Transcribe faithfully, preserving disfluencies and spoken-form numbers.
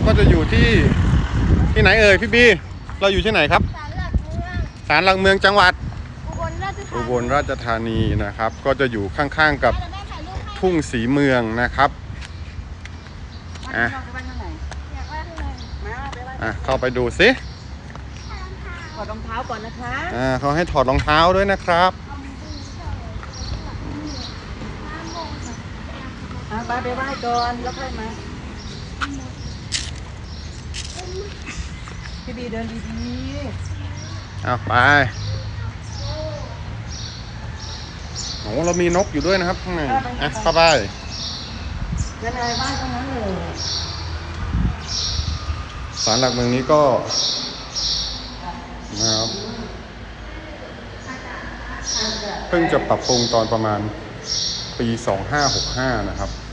ก็จะอยู่ที่ที่ไหนเอ่ยพี่บีเราอยู่ที่ไหนครับศาลหลักเมืองจังหวัดอุบลราชธานีนะครับก็จะอยู่ข้างๆกับทุ่งสีเมืองนะครับอ่ะอ่ะเข้าไปดูสิถอดรองเท้าก่อนนะคะอ่าเขาให้ถอดรองเท้าด้วยนะครับอ่ะไปไปไหว้ก่อนแล้วค่อยมาพี่บีเดินดีๆเอาไปโอ้เรามีนกอยู่ด้วยนะครับข้างในอ่ะเข้าไปยังไงบ้านตรงนั้นเลยศาลหลักเมืองนี้ก็นะครับเพิ่งจะปรับปรุงตอนประมาณปีสองห้าหกห้านะครับ